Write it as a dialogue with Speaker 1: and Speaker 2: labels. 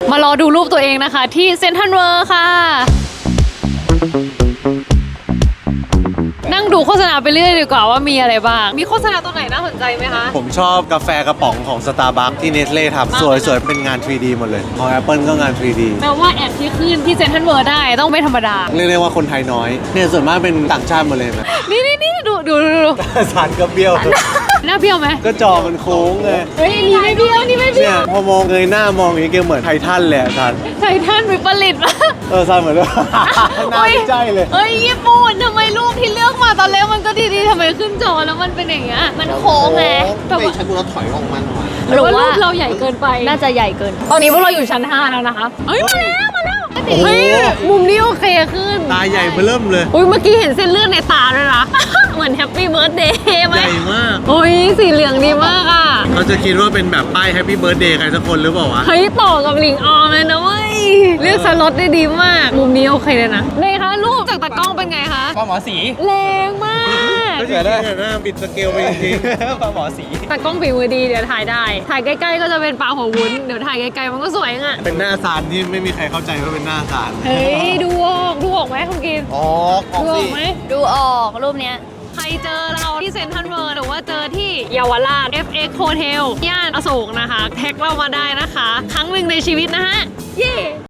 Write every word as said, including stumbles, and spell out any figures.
Speaker 1: มารอดูรูปตัวเองนะคะที่เซ็นทรัลเวิลด์ค่ะนั่งดูโฆษณาไปเรื่อยดีกว่าว่ามีอะไรบ้างมีโฆษณาตัวไหนน่าสนใจไหมคะ
Speaker 2: ผมชอบกาแฟกระป๋องของ Starbucks ที่ Nestle ทำสวยๆเป็นงาน ทรี ดี หมดเลยของ Apple ก็งาน ทรี ดี
Speaker 1: แปลว่าแอดที่ขึ้นที่เซ็นทรัลเวิลด์ได้ต้องไม่ธรรมดา
Speaker 2: เรียกได้ว่าคนไทยน้อยเนี่ยส่วนมากเป็นต่างชาติหมดเลยนะ
Speaker 1: นี่นี่นี่ดูดูดู
Speaker 2: สารก็เบี้ยว
Speaker 1: หน้าเบี้ยวไหม
Speaker 2: ก็จอมันโค้งไง
Speaker 1: เฮ้ยนี่ไม่เบี้ยวนี่ไม่เบี้
Speaker 2: เนี่ย ยพอมองเงยหน้ามองอย่างนี้เกเหมือนไททันเลยอะทัน
Speaker 1: ไททันวิปริตปะ
Speaker 2: เออซันเหมือนว่าน่าดีใจเลย
Speaker 1: เฮ้ยญี่ปุ่นทำไมรูปที่เลือกมาตอนแรกมันก็ดีๆทำไมขึ้นจอแล้วมันเป็นอย่างเงี้ยมันโค้งไงแบบ
Speaker 3: ไม่
Speaker 1: ว่า
Speaker 3: ใช่กูเราถอยออกมาหน่อย
Speaker 1: หรือว่ารูปเราใหญ่เกินไปน่าจะใหญ่เกิน ตอนนี้พวกเราอยู่ชั้นห้าแล้วนะคะเฮ้ยมาแล้วมาแล้วเฮ้ยมุมนี้โอเคขึ้น
Speaker 2: ตาใหญ่เบิ่มเลย
Speaker 1: อุ้ยเมื่อกี้เห็นเส้นเลือดในตาด้วยนะ เหมือนแฮปปี้เบิร์ดเดย์ไหม
Speaker 2: ใหญ่มาก
Speaker 1: โอ้ยสีเหลืองดีมากอ่ะ
Speaker 2: เขาจะคิดว่าเป็นแบบป้าย Happy Birthday ใครสักคนหรือเปล่าวะ
Speaker 1: เฮ้ยต่อกับหลิงออมเลยนะเว้ยเลือกสล็อตได้ดีมาก มุมนี้โอเคเลยนะเลยคะรูปจากตากล้องเป็นไงคะ
Speaker 3: ปลาหมอสี
Speaker 1: แรงมาก
Speaker 2: ก็จะได้หน้าปิดสเกลไปจริง
Speaker 3: ปลาหมอสี
Speaker 1: ตากล้องฝีมือดีเดี๋ยวถ่ายได้ ถ่ายใกล้ๆก็จะเป็นปลาหัววุ้นเดี๋ยวถ่ายไกลๆมันก็สวยอ่ะ
Speaker 2: ๆเป็นหน้าซานที่ไม่มีใครเข้าใจว่าเป็นหน้าซาน
Speaker 1: เฮ้ยดูออกดูออกไหมคุณกิน
Speaker 3: ออกออก
Speaker 1: ดูอ
Speaker 3: สิ
Speaker 1: อกไหมดูออกรูปเนี้ยใครเจอเราที่เซ็นทรัลเวิลด์หรือว่าเจอที่เยาวราช เอฟ เอ็กซ์ Hotel ย่านอโศกนะคะ แท็กเรามาได้นะคะ ครั้งหนึ่งในชีวิตนะฮะ เย้